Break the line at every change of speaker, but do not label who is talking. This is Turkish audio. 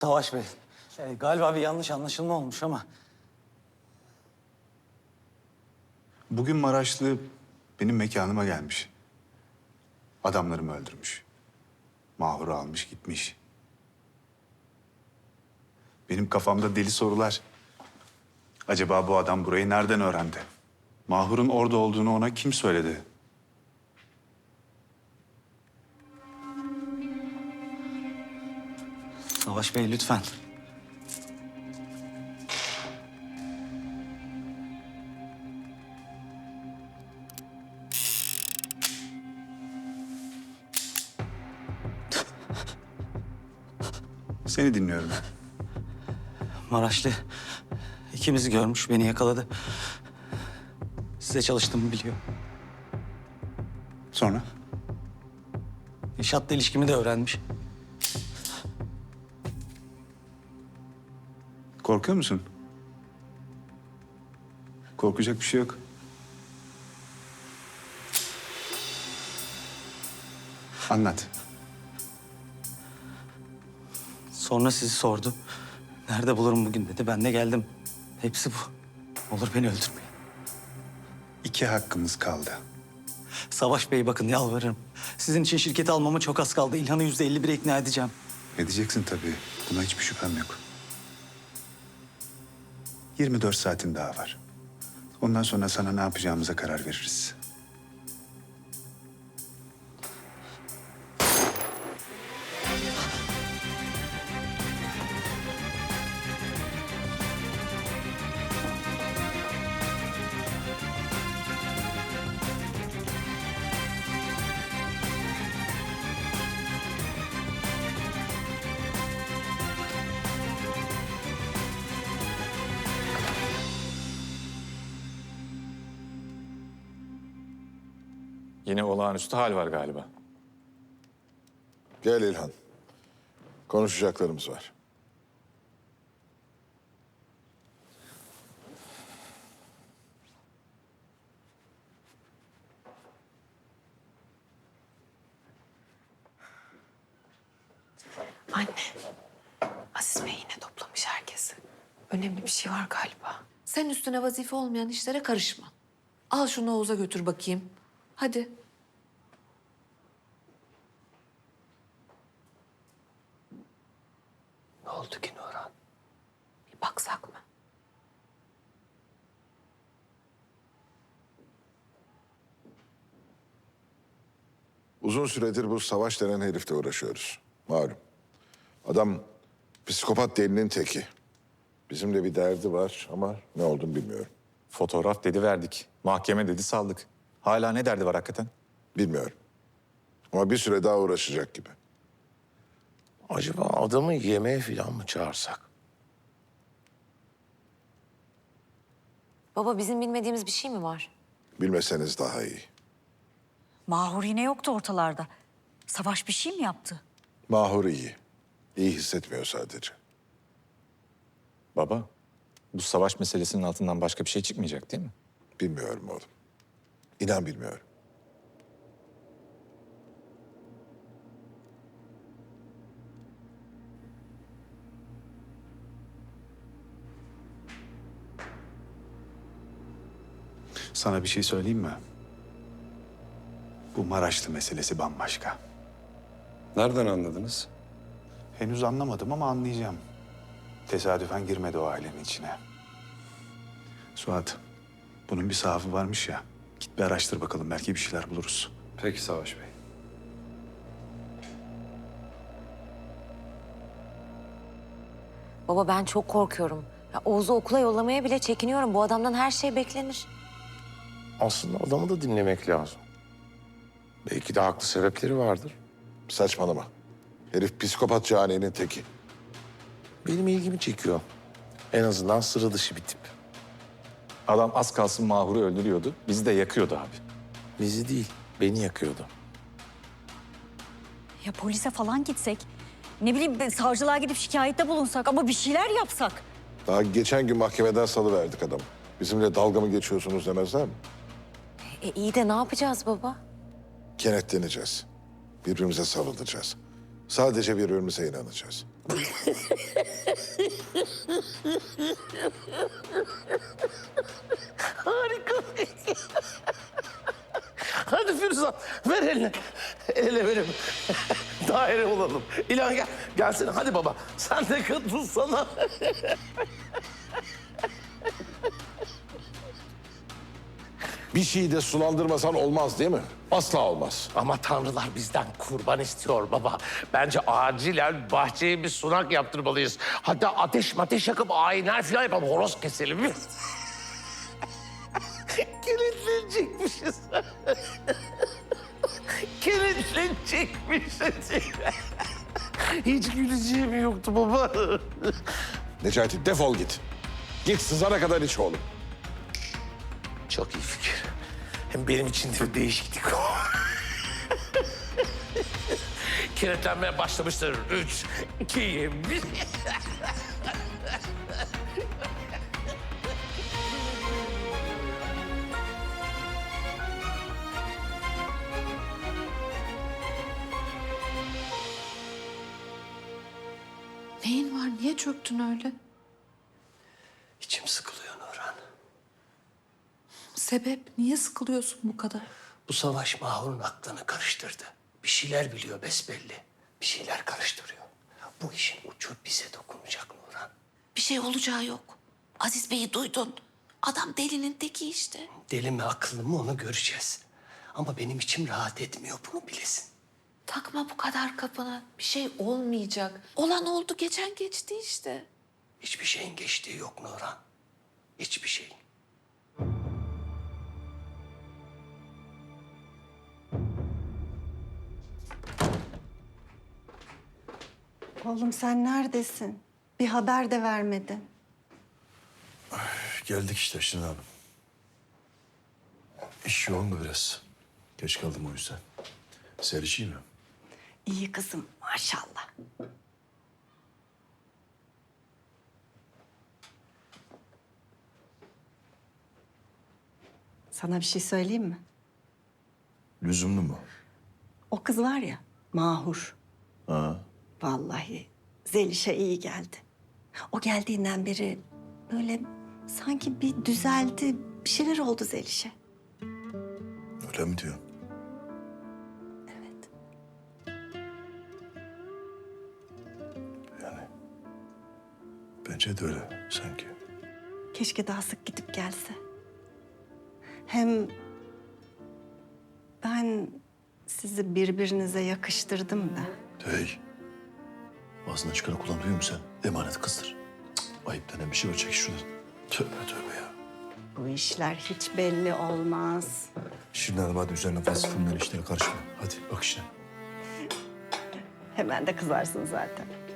Savaş Bey, galiba bir yanlış anlaşılma olmuş ama...
Bugün Maraşlı benim mekanıma gelmiş. Adamlarımı öldürmüş. Mahur'u almış gitmiş. Benim kafamda deli sorular. Acaba bu adam burayı nereden öğrendi? Mahur'un orada olduğunu ona kim söyledi?
Savaş Bey lütfen.
Seni dinliyorum.
Maraşlı ikimizi görmüş, beni yakaladı. Size çalıştığımı biliyor.
Sonra?
İnşaatla ilişkimi de öğrenmiş.
Korkuyor musun? Korkacak bir şey yok. Anlat.
Sonra sizi sordu. Nerede bulurum bugün dedi. Ben de geldim. Hepsi bu. Olur beni öldürmeyin.
2 hakkımız kaldı.
Savaş Bey bakın yalvarırım. Sizin için şirketi almama çok az kaldı. İlhan'ı %51'e ikna edeceğim.
Edeceksin tabii. Buna hiçbir şüphem yok. 24 saatin daha var. Ondan sonra sana ne yapacağımıza karar veririz.
Yine olağanüstü hal var galiba.
Gel İlhan. Konuşacaklarımız var.
Anne, Aziz Bey yine toplamış herkesi. Önemli bir şey var galiba.
Sen üstüne vazife olmayan işlere karışma. Al şunu Oğuz'a götür bakayım. Hadi.
Ne oldu ki Nurhan?
Bir baksak mı?
Uzun süredir bu Savaş denen herifle uğraşıyoruz. Malum. Adam psikopat delinin teki. Bizimle bir derdi var ama ne olduğunu bilmiyorum.
Fotoğraf dedi verdik. Mahkeme dedi saldık. Hala ne derdi var hakikaten?
Bilmiyorum. Ama bir süre daha uğraşacak gibi.
Acaba adamı yemeğe falan mı çağırsak?
Baba bizim bilmediğimiz bir şey mi var?
Bilmeseniz daha iyi.
Mahur yine yoktu ortalarda. Savaş bir şey mi yaptı?
Mahur iyi. İyi hissetmiyor sadece.
Baba, bu savaş meselesinin altından başka bir şey çıkmayacak değil mi?
Bilmiyorum oğlum. İnan bilmiyorum.
Sana bir şey söyleyeyim mi? Bu Maraşlı meselesi bambaşka.
Nereden anladınız?
Henüz anlamadım ama anlayacağım. Tesadüfen girmedi o ailenin içine. Suat, bunun bir sahafı varmış ya. Git bir araştır bakalım, belki bir şeyler buluruz.
Peki Savaş Bey.
Baba ben çok korkuyorum. Ya, Oğuz'u okula yollamaya bile çekiniyorum. Bu adamdan her şey beklenir.
Aslında adamı da dinlemek lazım. Belki de haklı sebepleri vardır.
Saçmalama. Herif psikopat caninin teki.
Benim ilgimi çekiyor. En azından sıra dışı bir tip.
Adam az kalsın Mahur'u öldürüyordu. Bizi de yakıyordu abi.
Bizi değil, beni yakıyordu.
Ya polise falan gitsek, ne bileyim savcılığa gidip şikayette bulunsak ama bir şeyler yapsak.
Daha geçen gün mahkemeden salıverdik adamı. Bizimle dalga mı geçiyorsunuz demezler mi?
İyi de ne yapacağız baba?
Kenetleneceğiz. Birbirimize sarılacağız. Sadece birbirimize inanacağız.
Harika. Hadi Firuzan ver elini. El verim. Daire olalım. İlhan gel. Gelsene hadi baba. Sen de katılsana.
Bir şeyi de sulandırmasan olmaz değil mi? Asla olmaz.
Ama tanrılar bizden kurban istiyor baba. Bence acilen bahçeye bir sunak yaptırmalıyız. Hatta ateş yakıp ayinler falan yapalım. Horoz keselim. Kilitlenecekmişiz. Kilitlenecekmişiz. Hiç güleceğim yoktu baba.
Necati defol git. Git sızana kadar iç oğlum.
Çok iyi fikir. Hem benim için de bir değişiklik o. Kilitlenmeye başlamıştır. 3, 2, 1.
Neyin var? Niye çöktün öyle?
İçim sıkılıyor Nurhan.
Sebep? Niye sıkılıyorsun bu kadar?
Bu savaş Mahur'un aklını karıştırdı. Bir şeyler biliyor besbelli. Bir şeyler karıştırıyor. Bu işin ucu bize dokunacak Nurhan.
Bir şey olacağı yok. Aziz Bey'i duydun. Adam delinin teki işte.
Deli mi akıllı mı onu göreceğiz. Ama benim içim rahat etmiyor bunu bilesin.
Takma bu kadar kafana. Bir şey olmayacak. Olan oldu, geçen geçti işte.
Hiçbir şeyin geçtiği yok Nurhan. Hiçbir şeyin.
Oğlum sen neredesin? Bir haber de vermedin.
Geldik işte Şirin abi. İş yoğun da biraz. Geç kaldım o yüzden. Seriş iyi mi?
İyi kızım maşallah. Sana bir şey söyleyeyim mi?
Lüzumlu mu?
O kız var ya Mahur.
Ha.
Vallahi Zeliş'e iyi geldi. O geldiğinden beri böyle sanki bir düzeldi. Bir şeyler oldu Zeliş'e.
Öyle mi diyorsun?
Evet.
Yani bence de öyle sanki.
Keşke daha sık gidip gelse. Hem ben sizi birbirinize yakıştırdım da.
Hey. Ağzından çıkanı kullan duyuyor musun sen? Emanet kızdır. Cık, ayıp denen bir şey var. Çek şuradan. Tövbe tövbe ya.
Bu işler hiç belli olmaz.
Şirin Hanım hadi üzerine fazla fırından işlere karışma. Hadi bak işine.
Hemen de kızarsın zaten.